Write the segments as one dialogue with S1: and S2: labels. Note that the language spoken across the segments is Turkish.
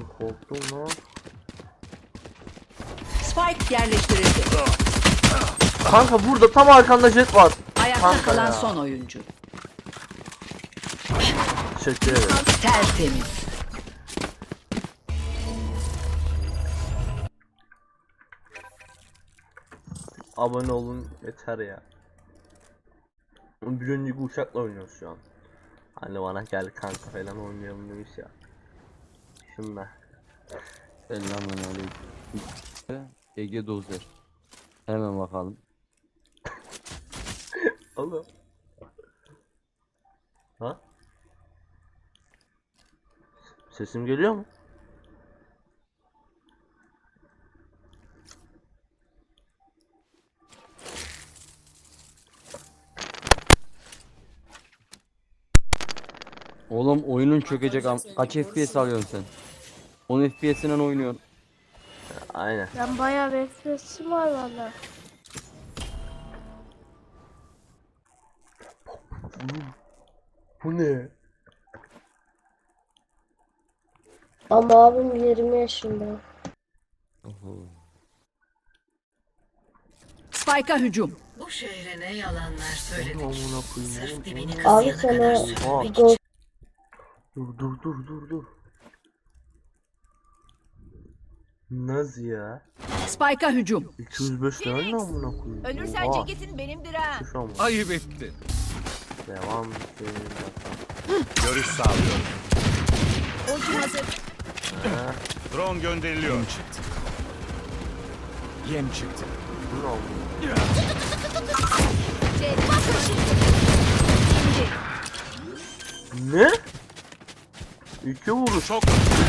S1: Korktum lan.
S2: Spike yerleştirildi.
S1: Kanka burada tam arkanda jet var.
S2: Ayakta
S1: Kanka
S2: kalan
S1: ya.
S2: son oyuncu.
S1: Teşekkür ederim.
S2: Tertemiz.
S1: Abone olun yeter ya. Bir önceki uçakla oynuyoruz şu an. Hani bana gel kanka falan oynayalım demiş ya. Şunlar.
S3: Selamünaleyküm. Ege Dozer. Hemen bakalım.
S1: Oğlum. Ha? Sesim geliyor mu?
S3: Oğlum oyunun çökecek kaç FPS alıyorsun sen? 10 FPS'inen oynuyorsun.
S1: Aynen.
S4: Ben bayağı bir FPS'im var valla.
S1: Bu ne?
S4: Ama abim 20 yaşında.
S2: Spike'a hücum.
S5: Bu şehre ne yalanlar söyledik.
S1: Amına koyayım
S5: Sırf
S1: oğlum.
S5: dibini
S4: Abi
S5: kazıyana
S4: sana
S5: kadar
S1: Oha.
S5: sürmek
S4: gol
S1: Dur. Nasıl ya?
S2: Spike'a hücum.
S1: 205 lira ne amına koyayım?
S6: Ölürsen
S1: Oha.
S6: ceketin benimdir ha.
S1: Şu an bu.
S7: Ayıp ettin.
S1: Devam edelim.
S7: Görüş sağlıyorum.
S6: Ultim hazır.
S7: Drone gönderiliyor. Yem çıktı. Yem çıktı.
S1: Bu ne oldu?
S6: Jet bakın şimdi.
S1: Ne? İki vuruş.
S7: Çok.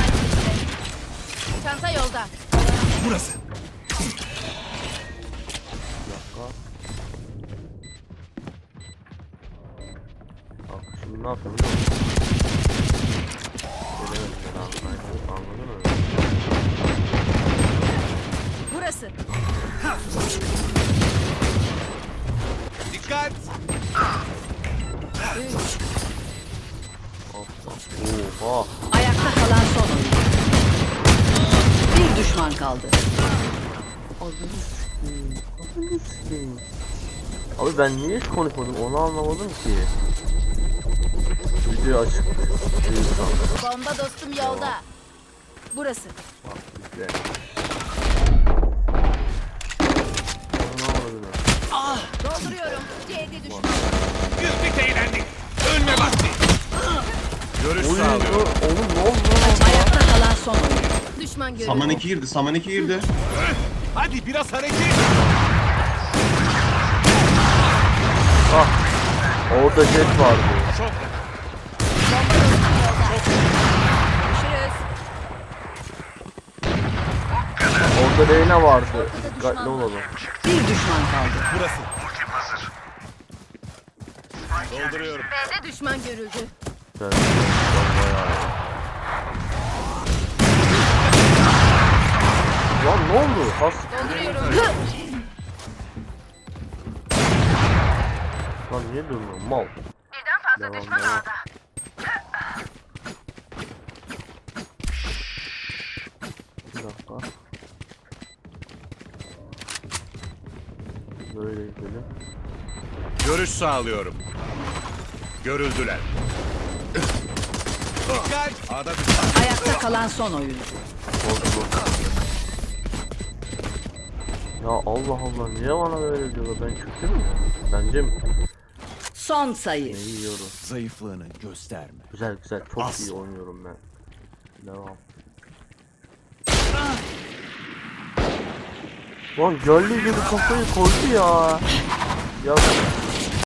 S6: Çanta yolda.
S7: Burası.
S1: Bak şimdi ne yapıyorum biliyor musun? Gelemedim ben anladın mı?
S6: Burası.
S7: Dikkat.
S1: Oha.
S2: Ayakta kalan son oyuncu. Bir düşman kaldı.
S1: Abi ben niye hiç konuşmadım onu anlamadım ki. Video açık.
S6: Bomba dostum yolda. Burası.
S1: Bak güzel. Ne oldu?
S6: Dolduruyorum. C'de düşman.
S7: Güldük eğlendik. Ölme vakti. Görüş
S1: Oy,
S7: sağlıyorum.
S1: oğlum ne oldu lan?
S2: Ayakta kalan son oyuncu.
S6: Düşman görüldü.
S8: Saman 2 girdi, Saman 2 girdi.
S7: Hadi biraz hareket.
S1: Ah. Orada jet vardı.
S7: Çok.
S6: Bomba dostum yolda. Görüşürüz.
S1: Orada Reyna vardı. Dikkatli olalım.
S2: Bir düşman kaldı.
S7: Burası. Dolduruyorum.
S6: B'de düşman görüldü.
S1: Güzel. Bayağı. Lan ne oldu? Has.
S6: Dolduruyorum.
S1: Lan niye durmuyor? Mal. Birden fazla düşman ağda. Bir dakika. Böyle gidelim.
S7: Görüş sağlıyorum. Görüldüler. Dikkat. A'da düşman.
S2: Ayakta kalan son oyuncu.
S1: Oldu. Ya Allah Allah niye bana böyle diyorlar? Ben kötü mü? Bence mi?
S2: Son sayı.
S1: Ne yiyorum?
S7: Zayıflığını gösterme.
S1: Güzel çok
S7: As.
S1: iyi oynuyorum ben. Devam. Lan gölge gibi kafayı koydu ya. Ya